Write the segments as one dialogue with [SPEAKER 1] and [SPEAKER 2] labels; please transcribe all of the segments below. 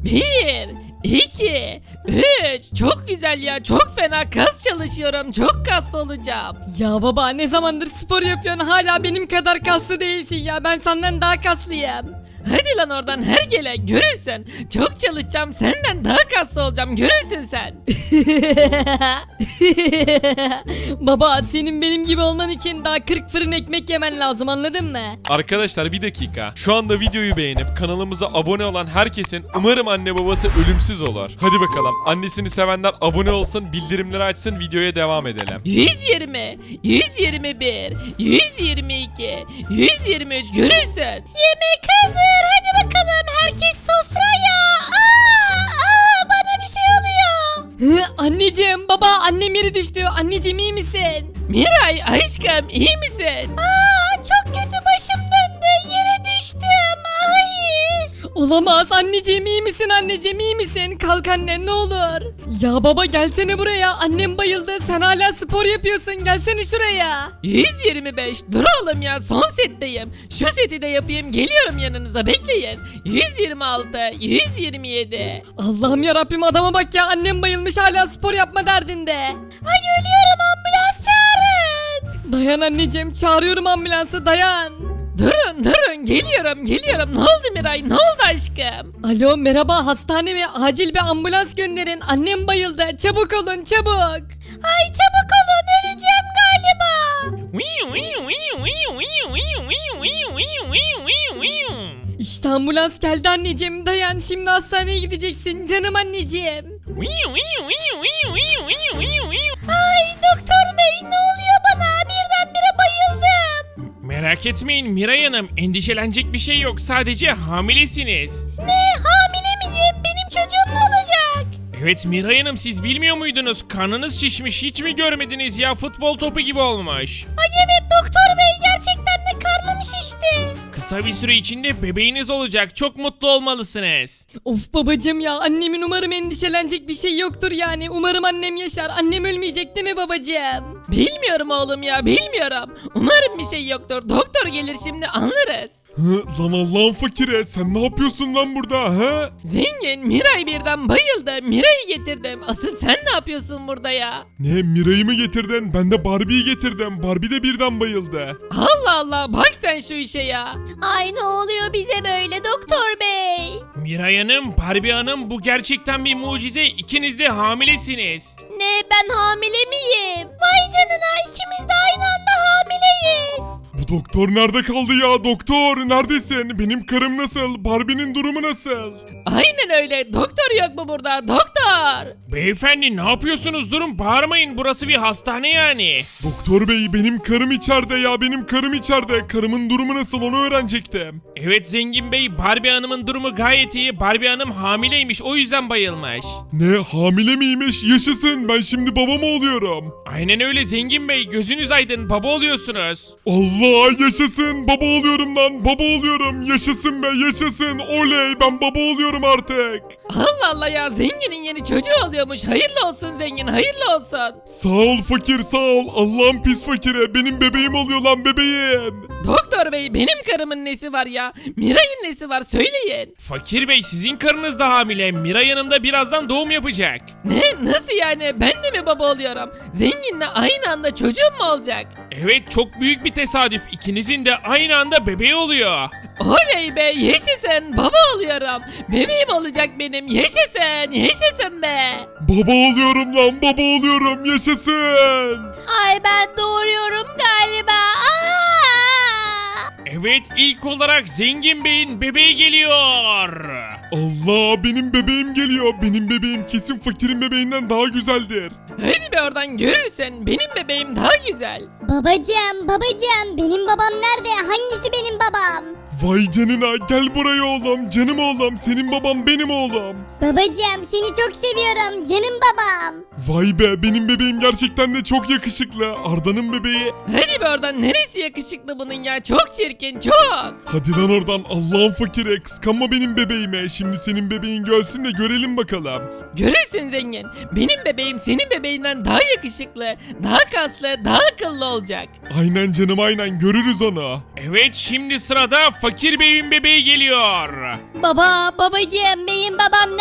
[SPEAKER 1] Bir, iki, üç. Çok güzel ya. Çok fena kas çalışıyorum. Çok kaslı olacağım.
[SPEAKER 2] Ya baba ne zamandır spor yapıyorsun hala benim kadar kaslı değilsin ya ben senden daha kaslıyım.
[SPEAKER 1] Hadi lan oradan hergele görürsün. Çok çalışacağım. Senden daha kaslı olacağım. Görürsün sen.
[SPEAKER 2] Baba senin benim gibi olman için daha 40 fırın ekmek yemen lazım anladın mı?
[SPEAKER 3] Arkadaşlar bir dakika. Şu anda videoyu beğenip kanalımıza abone olan herkesin umarım anne babası ölümsüz olur. Hadi bakalım. Annesini sevenler abone olsun, bildirimleri açsın, videoya devam edelim.
[SPEAKER 1] 120, 121, 122, 123 görürsün. Yemek hazır. Hadi bakalım. Herkes sofraya. Bana bir şey oluyor.
[SPEAKER 2] Anneciğim baba annem yeri düştü anneciğim iyi misin?
[SPEAKER 1] Miray aşkım iyi misin? Çok kötü başım döndü. Yere düştüm. Ay.
[SPEAKER 2] Olamaz anneciğim iyi misin anneciğim iyi misin? Kalk anne ne olur. Ya baba gelsene buraya annem bayıldı sen hala spor yapıyorsun gelsene şuraya.
[SPEAKER 1] 125 dur oğlum ya son setteyim. Şu seti de yapayım geliyorum yanınıza bekleyin. 126, 127.
[SPEAKER 2] Allah'ım yarabbim adama bak ya annem bayılmış hala spor yapma derdinde.
[SPEAKER 1] Ay ölüyorum ambulans çağırın.
[SPEAKER 2] Dayan anneciğim çağırıyorum ambulansı dayan.
[SPEAKER 1] Durun geliyorum. Ne oldu Miray ne oldu aşkım?
[SPEAKER 2] Alo merhaba hastane mi? Acil bir ambulans gönderin. Annem bayıldı. Çabuk olun çabuk.
[SPEAKER 1] Ay çabuk olun öleceğim galiba.
[SPEAKER 2] İşte ambulans geldi anneciğim. Dayan şimdi hastaneye gideceksin canım anneciğim.
[SPEAKER 1] Ay doktor bey ne oluyor bana birdenbire bayıldım.
[SPEAKER 4] Merak etmeyin Miray Hanım, endişelenecek bir şey yok. Sadece hamilesiniz.
[SPEAKER 1] Ne hamile miyim benim çocuğum mu olacak?
[SPEAKER 4] Evet Miray Hanım, siz bilmiyor muydunuz? Karnınız şişmiş, hiç mi görmediniz ya? Futbol topu gibi olmuş.
[SPEAKER 1] Ay evet doktor bey gerçekten de karnım şişti.
[SPEAKER 4] Kısa bir süre içinde bebeğiniz olacak. Çok mutlu olmalısınız.
[SPEAKER 2] Of babacığım ya annemin umarım endişelenecek bir şey yoktur yani. Umarım annem yaşar. Annem ölmeyecek değil mi babacığım?
[SPEAKER 1] Bilmiyorum oğlum ya bilmiyorum. Umarım bir şey yoktur. Doktor gelir şimdi anlarız.
[SPEAKER 3] Lan Allah'ın fakire sen ne yapıyorsun lan burada he?
[SPEAKER 1] Zengin Miray birden bayıldı. Miray'ı getirdim. Asıl sen ne yapıyorsun burada ya?
[SPEAKER 3] Ne Miray'ı mı getirdin? Ben de Barbie'yi getirdim. Barbie de birden bayıldı.
[SPEAKER 1] Allah Allah bak sen şu işe ya. Ay ne oluyor bize böyle doktor bey?
[SPEAKER 4] Miray Hanım, Barbie Hanım, bu gerçekten bir mucize. İkiniz de hamilesiniz.
[SPEAKER 1] Ne ben hamile miyim? Vay canına ikimiz de aynı anda hamileyiz.
[SPEAKER 3] Bu doktor nerede kaldı ya doktor? Neredesin? Benim karım nasıl? Barbie'nin durumu nasıl?
[SPEAKER 1] Aynen öyle. Doktor yok mu burada? Doktor.
[SPEAKER 4] Beyefendi ne yapıyorsunuz? Durun, bağırmayın. Burası bir hastane yani.
[SPEAKER 3] Doktor bey benim karım içeride ya benim karım içeride. Karımın durumu nasıl onu öğrenecektim.
[SPEAKER 4] Evet Zengin Bey, Barbie Hanım'ın durumu gayet iyi. Barbie Hanım hamileymiş, o yüzden bayılmış.
[SPEAKER 3] Ne hamile miymiş? Yaşasın ben şimdi baba mı oluyorum?
[SPEAKER 4] Aynen öyle Zengin Bey, gözünüz aydın, baba oluyorsunuz.
[SPEAKER 3] Allah yaşasın baba oluyorum lan baba oluyorum. Yaşasın be yaşasın oley ben baba oluyorum artık.
[SPEAKER 1] Allah Allah ya zenginin yeni çocuğu oluyormuş. Hayırlı olsun zengin hayırlı olsun.
[SPEAKER 3] Sağ ol fakir sağ ol. Allah'ın pis fakire benim bebeğim oluyor lan bebeğim.
[SPEAKER 1] Doktor bey benim karımın nesi var ya? Miray'ın nesi var söyleyin.
[SPEAKER 4] Fakir Bey, sizin karınız da hamile. Miray Hanım da birazdan doğum yapacak.
[SPEAKER 1] Ne nasıl yani ben de mi baba oluyorum? Zenginle aynı anda çocuğum mu olacak?
[SPEAKER 4] Evet, çok büyük bir tesadüf. İkinizin de aynı anda bebeği oluyor.
[SPEAKER 1] Oley be yaşasın baba oluyorum. Bebeğim olacak benim yaşasın be.
[SPEAKER 3] Baba oluyorum lan baba oluyorum yaşasın.
[SPEAKER 1] Ay ben doğuruyorum galiba.
[SPEAKER 4] Evet, ilk olarak Zengin Bey'in bebeği geliyor.
[SPEAKER 3] Allah benim bebeğim geliyor. Benim bebeğim kesin fakirin bebeğinden daha güzeldir.
[SPEAKER 1] Hadi be oradan görürsen benim bebeğim daha güzel.
[SPEAKER 5] Babacığım benim babam nerede? Hangisi benim babam?
[SPEAKER 3] Vay canına gel buraya oğlum canım oğlum senin baban benim oğlum.
[SPEAKER 5] Babacığım seni çok seviyorum canım babam.
[SPEAKER 3] Vay be benim bebeğim gerçekten de çok yakışıklı. Arda'nın bebeği.
[SPEAKER 1] Hadi be oradan neresi yakışıklı bunun ya çok çirkin çok.
[SPEAKER 3] Hadi lan oradan Allah'ın fakire kıskanma benim bebeğime. Şimdi senin bebeğin gelsin de görelim bakalım.
[SPEAKER 1] Görürsün zengin. Benim bebeğim senin bebeğinden daha yakışıklı, daha kaslı, daha akıllı olacak.
[SPEAKER 3] Aynen canım aynen görürüz onu.
[SPEAKER 4] Evet, şimdi sırada Fakir Bey'in bebeği geliyor.
[SPEAKER 5] Babacığım benim babam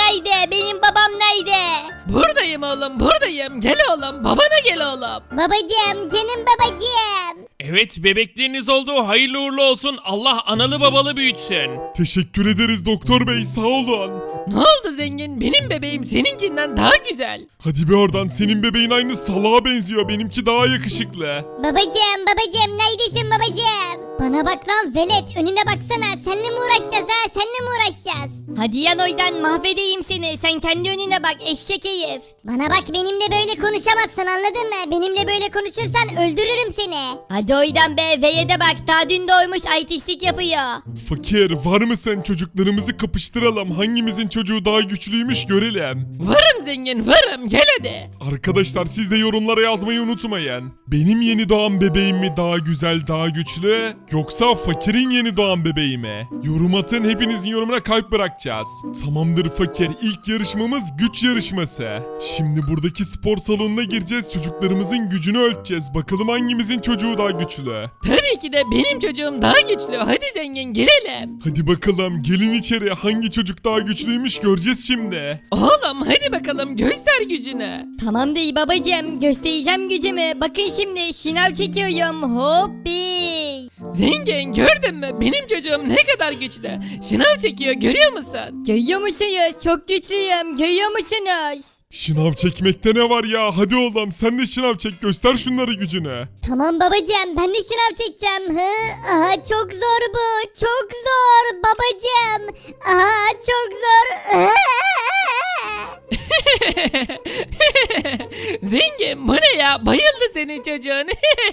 [SPEAKER 1] oğlum buradayım. Gel oğlum babana gel oğlum.
[SPEAKER 5] Babacım, canım babacım.
[SPEAKER 4] Evet bebekleriniz oldu. Hayırlı uğurlu olsun. Allah analı babalı büyütsün.
[SPEAKER 3] Teşekkür ederiz doktor bey, sağ olun.
[SPEAKER 1] Ne oldu zengin? Benim bebeğim seninkinden daha güzel.
[SPEAKER 3] Hadi be oradan, senin bebeğin aynı salağa benziyor, benimki daha yakışıklı.
[SPEAKER 5] Babacım, neredesin babacım? Bana bak lan velet, önüne baksana. Seninle mi uğraşacağız ha? Seninle mi uğraşacağız?
[SPEAKER 2] Hadi yan oydan mahvedeyim seni. Sen kendi önüne bak eşek herif.
[SPEAKER 5] Bana bak, benimle böyle konuşamazsın, anladın mı? Benimle böyle konuşursan öldürürüm seni.
[SPEAKER 2] Hadi oydan be V'ye bak daha dün doğmuş artistlik yapıyor.
[SPEAKER 3] Fakir, var mısın? Çocuklarımızı kapıştıralım, hangimizin çocuğu daha güçlüymüş görelim.
[SPEAKER 1] Varım zengin varım gel hadi.
[SPEAKER 3] Arkadaşlar siz de yorumlara yazmayı unutmayın. Benim yeni doğan bebeğim mi daha güzel, daha güçlü, yoksa fakirin yeni doğan bebeği mi? Yorum atın, hepinizin yorumuna kalp bırakacağız. Tamamdır fakir, ilk yarışmamız güç yarışması. Şimdi buradaki spor salonuna gireceğiz, çocuklarımızın gücünü ölçeceğiz. Bakalım hangimizin çocuğu daha güçlü.
[SPEAKER 1] Tabii ki de benim çocuğum daha güçlü. Hadi zengin girelim.
[SPEAKER 3] Hadi bakalım, gelin içeri, hangi çocuk daha güçlüymüş göreceğiz şimdi.
[SPEAKER 1] Oğlum hadi bakalım göster gücünü.
[SPEAKER 2] Tamam değil babacığım göstereceğim gücümü. Bakın şimdi şınav çekiyorum. Hoppi.
[SPEAKER 1] Zengin gördün mü? Benim çocuğum ne kadar güçlü. Şınav çekiyor görüyor musun?
[SPEAKER 2] Görüyor musunuz? Çok güçlüyüm. Görüyor musunuz?
[SPEAKER 3] Şınav çekmekte ne var ya? Hadi oğlum sen de şınav çek, göster şunları gücünü.
[SPEAKER 5] Tamam babacım, ben de şınav çekeceğim. Aha, çok zor bu. Çok zor babacım. Aha, çok zor.
[SPEAKER 1] Zengin bu ne ya? Bayıldı senin çocuğun.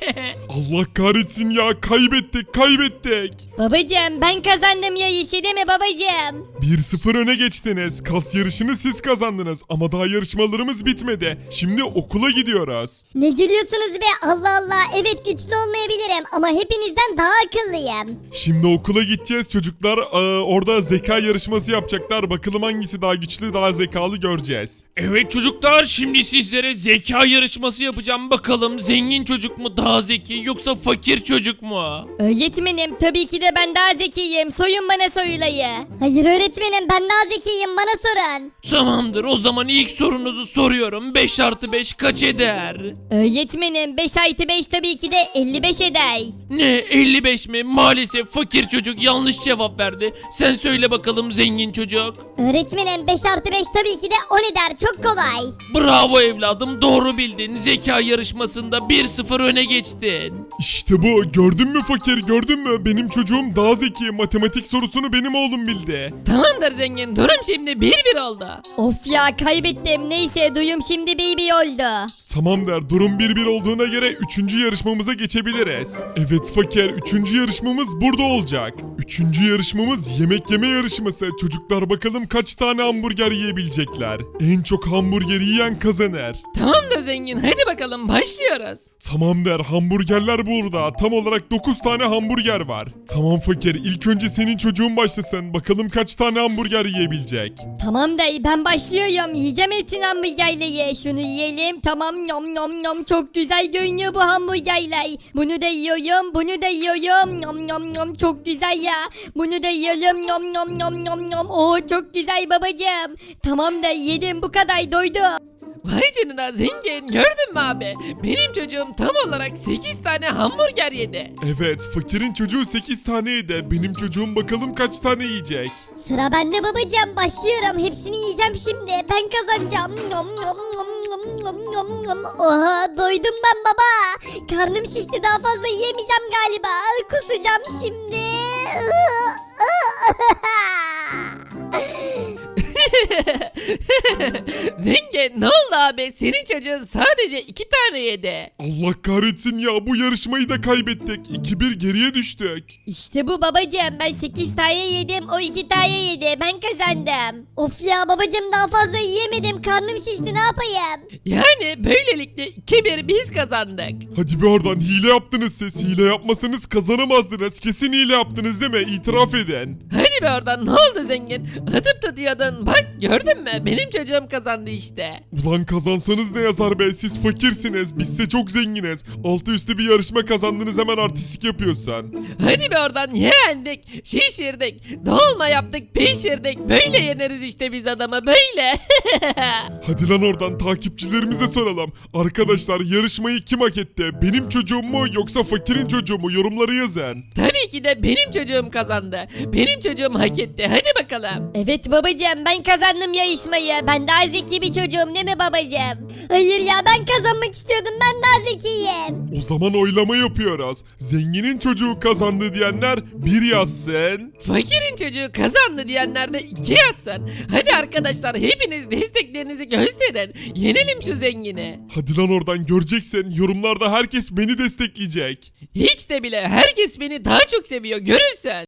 [SPEAKER 3] Allah kahretsin ya, kaybettik.
[SPEAKER 2] Babacığım ben kazandım ya işi değil mi babacığım?
[SPEAKER 3] 1-0 öne geçtiniz. Kas yarışını siz kazandınız ama daha yarışmalarımız bitmedi. Şimdi okula gidiyoruz.
[SPEAKER 5] Ne gülüyorsunuz be? Allah Allah. Evet, güçlü olmayabilirim ama hepinizden daha akıllıyım.
[SPEAKER 3] Şimdi okula gideceğiz çocuklar. Orada zeka yarışması yapacaklar. Bakalım hangisi daha güçlü, daha zekalı göreceğiz.
[SPEAKER 4] Evet çocuklar şimdi sizlere zeka yarışması yapacağım. Bakalım zengin çocuk mu daha zeki yoksa fakir çocuk mu?
[SPEAKER 2] Öğretmenim tabii ki de ben daha zekiyim. Soyun bana soyulayı.
[SPEAKER 5] Hayır öğretmenim, ben daha zekiyim, bana sorun.
[SPEAKER 4] Tamamdır o zaman ilk sorunuzu soruyorum. 5 artı 5 kaç eder?
[SPEAKER 2] Öğretmenim 5 artı 5 tabii ki de 55 eder.
[SPEAKER 4] Ne 55 mi? Maalesef fakir çocuk yanlış cevap verdi. Sen söyle bakalım zengin çocuk.
[SPEAKER 5] Öğretmenim 5 artı 5 tabii ki de 10 eder, çok kolay.
[SPEAKER 4] Bravo evladım doğru bildin. Zeka yarışmasında 1-0 öne geçtin.
[SPEAKER 3] İşte bu. Gördün mü fakir, gördün mü? Benim çocuğum daha zeki. Matematik sorusunu benim oğlum bildi.
[SPEAKER 1] Tamamdır zengin. Durum şimdi 1-1 oldu.
[SPEAKER 2] Of ya kaybettim. Neyse duyum şimdi baby oldu.
[SPEAKER 3] Tamam der. Durum 1-1 olduğuna göre 3. yarışmamıza geçebiliriz. Evet fakir, 3. yarışmamız burada olacak. 3. yarışmamız yemek yeme yarışması. Çocuklar bakalım kaç tane hamburger yiyebilecekler. En çok hamburger yiyen kazanır.
[SPEAKER 1] Tamamdır zengin. Hadi bakalım başlıyoruz.
[SPEAKER 3] Tamam der. Hamburgerler burada. Tam olarak 9 tane hamburger var. Tamam fakir, ilk önce senin çocuğun başlasın. Bakalım kaç tane hamburger yiyebilecek.
[SPEAKER 2] Tamam dayı ben başlıyorum. Yiyeceğim etin hamburgerleri. Şunu yiyelim. Tamam yom yom yom. Çok güzel görünüyor bu hamburgerler. Bunu da yiyorum. Bunu da yiyorum. Yom yom yom. Çok güzel ya. Bunu da yiyorum. Yom yom yom yom yom. Oo çok güzel babacığım. Tamam da yedim bu kadar doydum.
[SPEAKER 1] Vay canına zengin. Gördün mü abi? Benim çocuğum tam olarak 8 tane hamburger yedi.
[SPEAKER 3] Evet, fakirin çocuğu 8 tane yedi. Benim çocuğum bakalım kaç tane yiyecek.
[SPEAKER 5] Sıra bende babacığım, başlıyorum. Hepsini yiyeceğim şimdi. Ben kazanacağım. Nom nom nom nom nom nom nom. Oha, doydum ben baba. Karnım şişti, daha fazla yiyemeyeceğim galiba. Kusacağım şimdi.
[SPEAKER 1] Zengin ne oldu abi? Senin çocuğun sadece 2 tane yedi.
[SPEAKER 3] Allah kahretsin ya, bu yarışmayı da kaybettik. 2-1 geriye düştük.
[SPEAKER 2] İşte bu babacığım. Ben 8 tane yedim. O 2 tane yedi. Ben kazandım.
[SPEAKER 5] Of ya babacığım, daha fazla yiyemedim. Karnım şişti, ne yapayım?
[SPEAKER 1] Yani böylelikle 2-1 biz kazandık.
[SPEAKER 3] Hadi bir oradan, hile yaptınız siz. Hile yapmasanız kazanamazdınız. Kesin hile yaptınız değil mi? İtiraf edin.
[SPEAKER 1] Hadi be oradan ne oldu zengin? Atıp tutuyordun. Bak Bak gördün mü? Benim çocuğum kazandı işte.
[SPEAKER 3] Ulan kazansanız ne yazar be, siz fakirsiniz, bizse çok zenginiz. Altı üstü bir yarışma kazandınız, hemen artistik yapıyorsun.
[SPEAKER 1] Hadi be oradan, yendik, şişirdik, dolma yaptık, pişirdik. Böyle yeneriz işte biz adamı, böyle.
[SPEAKER 3] Hadi lan oradan, takipçilerimize soralım. Arkadaşlar yarışmayı kim hak etti? Benim çocuğum mu yoksa fakirin çocuğu mu? Yorumları yazın.
[SPEAKER 1] Tabii ki de benim çocuğum kazandı. Benim çocuğum hak etti. Hadi bakalım.
[SPEAKER 2] Evet babacığım ben kazandım yarışmayı. Ben daha zeki bir çocuğum değil mi babacığım?
[SPEAKER 5] Hayır ya, ben kazanmak istiyordum, ben daha zekiyim.
[SPEAKER 3] O zaman oylama yapıyoruz. Zenginin çocuğu kazandı diyenler 1 yazsın.
[SPEAKER 1] Fakirin çocuğu kazandı diyenler de 2 yazsın. Hadi arkadaşlar, hepiniz desteklerinizi gösterin. Yenelim şu zengini.
[SPEAKER 3] Hadi lan oradan, göreceksin. Yorumlarda herkes beni destekleyecek.
[SPEAKER 1] Hiç de bile, herkes beni daha çok seviyor, görürsün.